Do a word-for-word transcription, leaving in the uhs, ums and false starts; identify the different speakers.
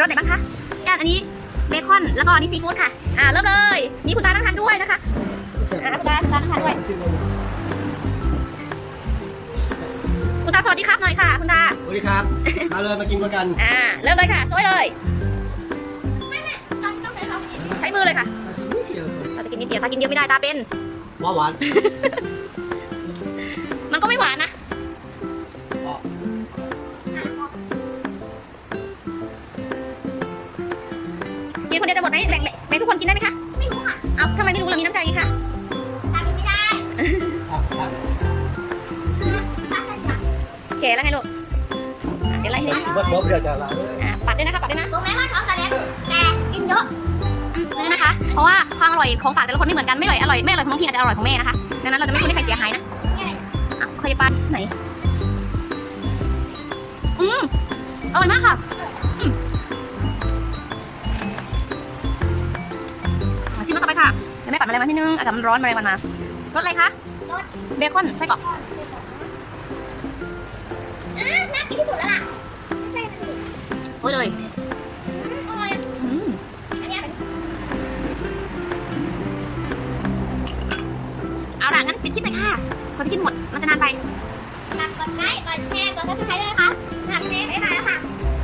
Speaker 1: รสไหนบ้างคะการอันนี้เบคอนแล้วก็อันนี้ซีฟู้ดค่ะอ่าเริ่มเลยมีคุณตานั่งทานด้วยนะคะอ่าคุณตาคุณตานั่งทานด้วยคุณตาสวัสดีครับหน่อยค่ะคุณตา
Speaker 2: สวัสดีครับมาเลยมากินด้วยกัน
Speaker 1: อ่าเริ่มเลยค่ะสวยเลยใช้มือเลยค่ะเราจะกินนิดเดียวถ้ากินเยอะไม่ได้ตาเป็น
Speaker 2: หวานหวาน
Speaker 1: มันก็ไม่หวานนะกินคนเดียวจะหมดไหมแบ่งแบ่งทุกคนกินได้ไหมคะไม่รู้ค่ะเอาทำไมไม่รู้เรามีน้ำใจค่ะตากินไม่ได้โอเคแล้วไงลูกเดี๋ยวไล่ให้ดู
Speaker 2: บดบดเดี๋ยวจะลา
Speaker 1: อ่าปัดด้วยนะคะปัดด้วยนะรู้ไหมว่าเขาจะเลี้ยงแต่กินเยอะซื้อนะคะ เพราะว่าความอร่อยของฝากแต่ละคนไม่เหมือนกันไม่อร่อยอร่อยไม่อร่อยของน้องพี่อาจจะอร่อยของแม่นะคะดังนั้นเราจะไม่ควรให้ใครเสียหายนะอ่ะเคยปันไหนอืมอร่อยมากค่ะอืมมาชิมกันต่อไปค่ะเดี๋ยวแม่ปัดอะไรมาที่นึงอาจจะมันร้อนอะไรมันมารสอะไรคะรสเบคอนไส้กรอกน่ากินที่สุดแล้วล่ะใช่สวยเลยอร่อยอืมอันนี้เอาล่ะงั้นปิดคลิปเลยค่ะคนที่กินหมดมันจะนานไปฝากกดไลค์กดแชร์กดซับสไครต์ด้วยนะคะฝากเมย์บ๊ายบายแล้วค่ะ